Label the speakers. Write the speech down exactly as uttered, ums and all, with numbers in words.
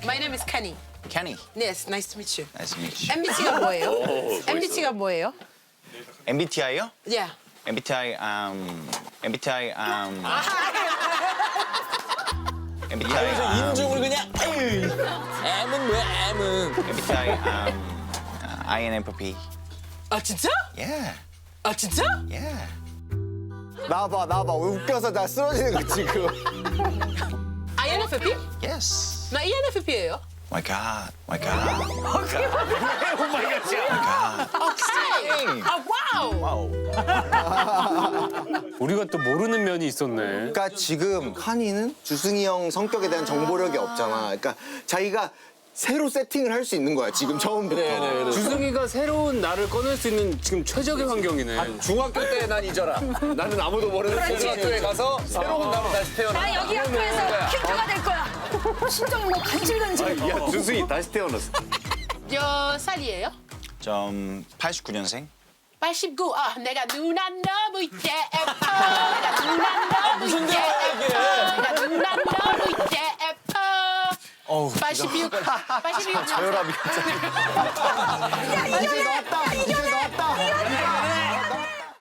Speaker 1: My name is Kenny.
Speaker 2: Kenny.
Speaker 1: Yes, nice to meet you.
Speaker 2: Nice to meet you.
Speaker 1: 엠비티가 뭐예요? 엠비티가 뭐예요?
Speaker 2: 엠비티아이요?
Speaker 1: Yeah.
Speaker 2: 엠비티아이 um 엠비티아이 um 엠비티아이
Speaker 3: 그래서
Speaker 2: um,
Speaker 3: 인중을 그냥 에이. M은 뭐야 M은.
Speaker 2: 엠비티아이 um uh, 아이엔에프피.
Speaker 1: 아 진짜?
Speaker 2: Yeah.
Speaker 1: 아 진짜?
Speaker 2: Yeah.
Speaker 4: 나와봐 나와봐 웃겨서 나 쓰러지는 거 지금.
Speaker 1: 아이엔에프피?
Speaker 2: Yes.
Speaker 1: 나 이엔에프피예요.
Speaker 2: My God. My God.
Speaker 1: 오케이. 아 와우.
Speaker 2: Wow.
Speaker 5: 우리가 또 모르는 면이 있었네.
Speaker 4: 그러니까 지금 한이는 주승이 형 성격에 대한 정보력이 없잖아. 그러니까 자기가 새로 세팅을 할 수 있는 거야 지금 처음부터.
Speaker 5: 주승이가 새로운 나를 꺼낼 수 있는 지금 최적의 환경이네.
Speaker 3: 중학교 때 난 잊어라. 나는 아무도 모르는 중학교에 가서 새로운 나로 다시 태어나.
Speaker 6: 나 여기 학교에서 퀴즈가 될 거야. 심장이 뭐 간질간질.
Speaker 3: 야 준승이 다시 태어났어.
Speaker 1: 몇 살이에요?
Speaker 2: 좀 팔십구 년생.
Speaker 1: 팔십구. 아, 내가 누나 너무 예뻐. 내가 누나 너무
Speaker 3: 무슨
Speaker 1: 예뻐.
Speaker 3: 대화야, 이게?
Speaker 1: 내가 누나 너무 예뻐.
Speaker 4: 어우,
Speaker 1: 팔십육. 팔십육.
Speaker 4: 혈압이. 이제 나왔다. 이제 나왔다.